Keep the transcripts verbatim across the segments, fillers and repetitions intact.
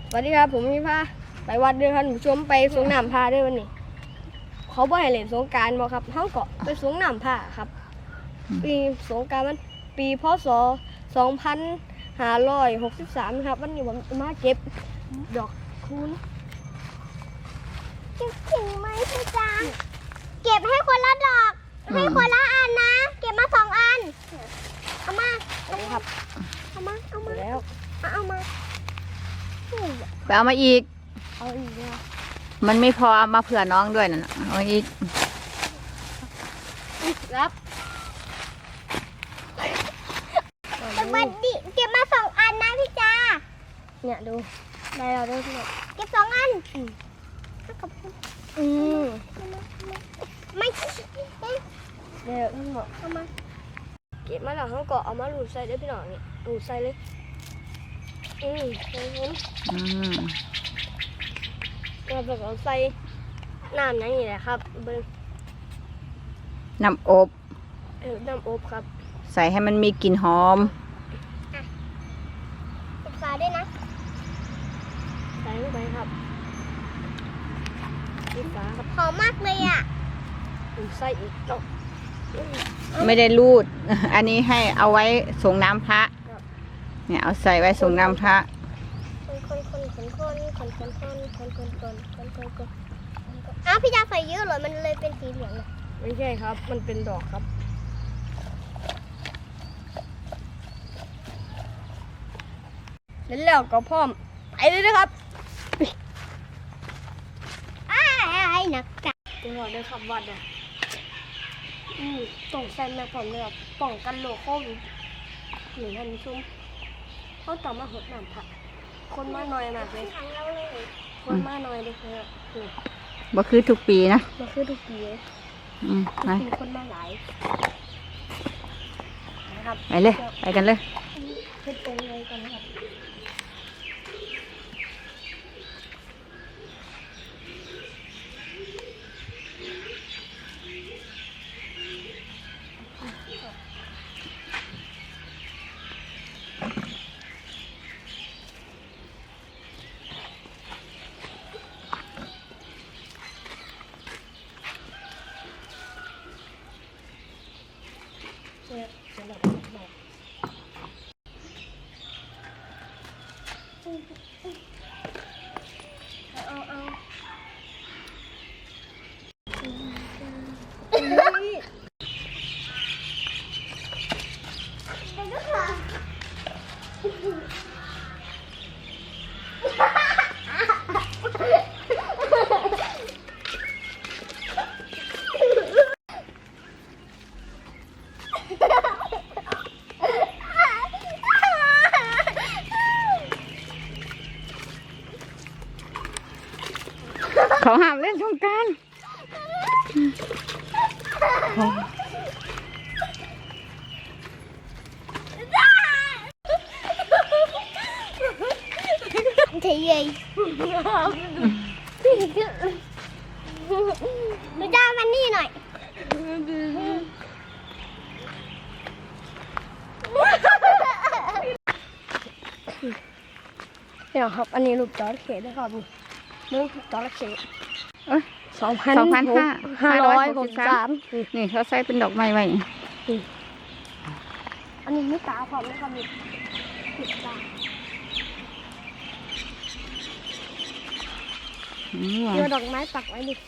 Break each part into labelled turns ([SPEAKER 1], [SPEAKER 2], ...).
[SPEAKER 1] สวัสดีครับผมพี่พาไปวัดเดือนครับผู้ชมไปสงน้ำพาด้วยวันนี้เขาบ่ให้เล่นสงกรานต์บ่ครับเขาก็ไปสงน้ำพาครับปีสงกรานต์มันปีพศสองพันห้าร้อยหกสิบสามครับวันนี้ผมมาเก็บดอกคูณ
[SPEAKER 2] เก็บถึงไหมพี่จ๊ะเก็บให้คนละดอกให้คนละอันนะเก็บมาสองอันเอามา
[SPEAKER 1] ครับ
[SPEAKER 2] เอามาเอามา
[SPEAKER 1] แล้ว
[SPEAKER 2] เอามา
[SPEAKER 3] ไปเอามาอีก
[SPEAKER 1] เอาอีกแล้ว
[SPEAKER 3] มันไม่พอเอามาเผื่อน้องด้วยนะเอามาอีก
[SPEAKER 1] ครับ
[SPEAKER 2] แต่บัดดิเก็บมาสองอันนะพี่จ๊ะ
[SPEAKER 1] เนี่ยดูได้แล้วด้วยพี่
[SPEAKER 2] เก็บสองอันอืม
[SPEAKER 1] อืม
[SPEAKER 2] ไม่
[SPEAKER 1] เดี๋ยวทั้งหมด
[SPEAKER 2] เอามา
[SPEAKER 1] เก็บมาแล้วเขาก็เอามาหลูดใส่ได้พี่น้องเนี่ยหลูดใส่เลยอืมเห็นเห็น
[SPEAKER 3] อืม
[SPEAKER 1] เราแบบเอาใส่น้ำนั่นนี่แหละครับเบิ้ง
[SPEAKER 3] น้ำอบ
[SPEAKER 1] เออน้ำอบครับ
[SPEAKER 3] ใส่ให้มันมีกลิ่นหอม
[SPEAKER 2] ปิดฝาด้วยนะ
[SPEAKER 1] ใส่ลงไปครับปิดฝาครับ
[SPEAKER 2] หอมมากเลยอ่ะ
[SPEAKER 1] หลูดใส่อีกเนาะอืม
[SPEAKER 3] ไม่ได้รูด อันนี้ให้เอาไว้ส่งน้ำพระ
[SPEAKER 1] ครับ
[SPEAKER 3] เนี่ยเอาใส่ไว้ส่งน้ำพระ
[SPEAKER 2] คนคนคนคนคนคนคนคนคนคนคนคนคนคนอ้าวพี่จ๊ะใส่เยอะเหรอมันเลยเป็นสีเหลืองเลย
[SPEAKER 1] ไม่ใช่ครับ มันเป็นดอกครับแล้วแล้วก็พร้อมไปเลยนะครับ
[SPEAKER 2] อ้ายหนักจัง
[SPEAKER 1] จังหวะเดินขับวัดอ่ะอืมต้องใส่แมสผมเลยครับป้องกันโรคโควิดหนึ่งท่านผู้ชมเขาต่อมาหดน้ำผักคนมาหน่อยมากเลย
[SPEAKER 2] ขังเราเลย
[SPEAKER 1] คนมาหน่อยเลยครับนี่
[SPEAKER 3] บ่คือทุกปีนะ
[SPEAKER 1] มาคือทุกปีเลย
[SPEAKER 3] อืมไป
[SPEAKER 1] มีคนมาหลายนะครับ
[SPEAKER 3] ไปเลย ไปกันเลย
[SPEAKER 1] เฮ็ดตรงเลยกันนะครับเนี่ยเดี๋ยวเราไปบอกเอาเอา
[SPEAKER 3] เขาห้ามเล่นสงกรานต์
[SPEAKER 2] เฉยเลยหนูจะเอามันนี่หน่อย
[SPEAKER 1] เดี๋ยวครับ อันนี้รูปจอร์เขตนะครับนี่รูปจอร์เขต
[SPEAKER 3] เอ้ย
[SPEAKER 1] สองพัน
[SPEAKER 3] สองพันห้า
[SPEAKER 1] ห้าร้อยหกสิบสาม
[SPEAKER 3] นี่เขาใส่เป็นดอกไม้ไว้
[SPEAKER 1] อันนี้มีตาพร้อมนะครับนี่ติดตา
[SPEAKER 3] อืม
[SPEAKER 1] เดี๋ยวดอกไม้ปักไว้ดิ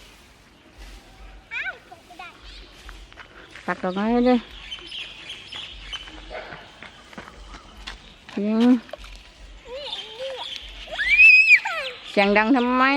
[SPEAKER 3] ตักดอกไม้ไว้เลยยิงเสียงดังทำไม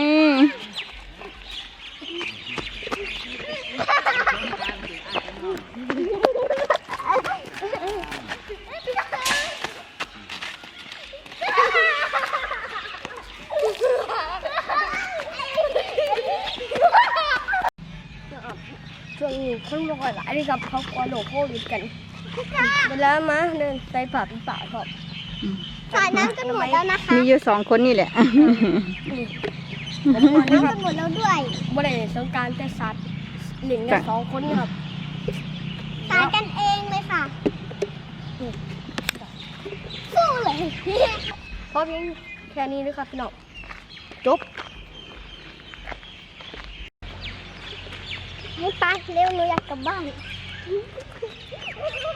[SPEAKER 1] ช่วงนี้คนบ่ค่อยหลายเลยครับเขากลัวโรคโควิดกันเวลามาเดินใส่ผ้าปิดปากครับ
[SPEAKER 2] สายน้ำกันหมดแล้วนะคะ
[SPEAKER 3] มีอยู่สองคนนี่แหละ
[SPEAKER 1] ผมว่า
[SPEAKER 2] น้ำ
[SPEAKER 1] นะค
[SPEAKER 2] กั
[SPEAKER 1] รับ
[SPEAKER 2] นหมดแล้วด้วย
[SPEAKER 1] บ่ได้สงกรารแต่สัตว์หลิงกันสองคนนี่ครับ
[SPEAKER 2] สายกันเองเลยค่ะสู้เลย
[SPEAKER 1] เพราะเพียงแค่นี้นะครับพี่น้องไปจบ
[SPEAKER 2] ให้ไปเร็วหนูอยากกลับบ้าน